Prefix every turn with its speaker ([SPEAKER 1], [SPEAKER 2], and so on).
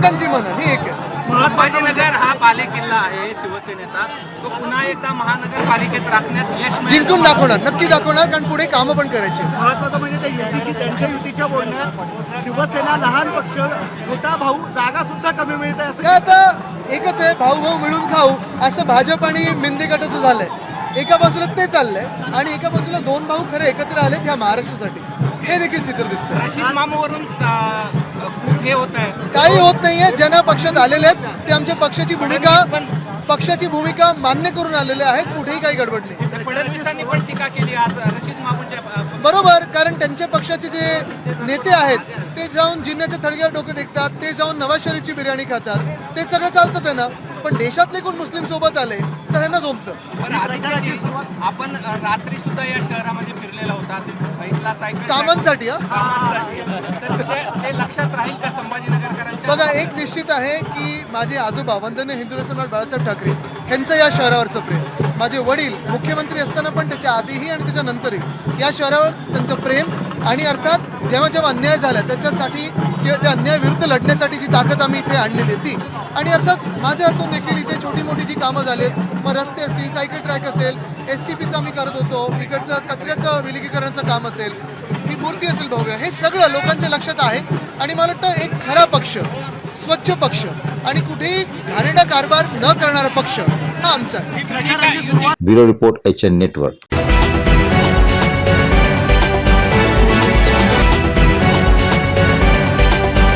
[SPEAKER 1] लोकांची मनं ही एक आहे.
[SPEAKER 2] संभाजीनगर हा बालेकिल्ला आहे शिवसेनेचा, तो पुन्हा एकदा महानगरपालिकेत राखण्यात यश मिळेल.
[SPEAKER 1] जिंकून दाखवणार, नक्की दाखवणार, कारण पुढे कामं पण करायची.
[SPEAKER 3] महत्वाचं म्हणजे त्यांच्या युतीच्या बोलण्यात शिवसेना लहान पक्ष, छोटा भाऊ, जागा सुद्धा कमी मिळते असं
[SPEAKER 1] काय आता एकच आहे, भाऊ भाऊ मिळून खाऊ असं भाजप आणि मिंदे गटाचं झालंय. एका बाजूला ते चाललंय आणि एका बाजूला दोन भाऊ खरे एकत्र आलेत ह्या महाराष्ट्रासाठी, हे देखील चित्र दिसतंय.
[SPEAKER 2] रशीद मामूवरून खूप हे होत आहे.
[SPEAKER 1] काही होत नाहीये. ज्यांना पक्षात आलेले आहेत ते आमच्या पक्षाची भूमिका मान्य करून आलेले आहेत. कुठेही काही गडबड नाही.
[SPEAKER 2] फडणवीसांनी पण टीका केली आज रशीद मामूंच्या
[SPEAKER 1] बरोबर, कारण त्यांच्या पक्षाचे जे नेते आहेत ते जाऊन जिन्याच्या थडग्यावर डोके टेकतात, ते जाऊन नवाज शरीफची बिर्याणी खातात, ते सगळं चालतं त्यांना. पण देशातले कोण मुस्लिम सोबत आले तर ह्यांना जमतं.
[SPEAKER 2] आपण रात्री सुद्धा या शहरामध्ये फिरलेला होता, इथला सायकल
[SPEAKER 1] कामांसाठी.
[SPEAKER 2] ते लक्षात राहील का संभाजीनगरकरांच्या?
[SPEAKER 1] बघा, एक निश्चित आहे की माझे आजोबा वंदनीय हिंदू सम्राट बाळासाहेब ठाकरे यांचं या शहरावरचं प्रेम, माझे वडील मुख्यमंत्री असताना पण त्याच्या आधीही आणि त्याच्यानंतरही या शहरावर त्यांचं प्रेम, आणि अर्थात जेव्हा जेव्हा अन्याय झाला त्याच्यासाठी किंवा त्या अन्यायाविरुद्ध लढण्यासाठी जी ताकद आम्ही इथे आणलेली ती, आणि अर्थात माझ्या हातून देखील इथे छोटी मोठी जी कामं झालीत, मग रस्ते असतील, सायकल ट्रॅक असेल, STPचं आम्ही करत होतो, इकडचं कचऱ्याचं विलगीकरणाचं काम असेल, ही मूर्ती असेल भव्य, हे सगळं लोकांच्या लक्षात आहे. आणि मला वाटतं एक खरा पक्ष, स्वच्छ पक्ष आणि कुठेही घाणेरडा कारभार न करणारा पक्ष हा आमचा आहे.
[SPEAKER 4] Bureau report HN network.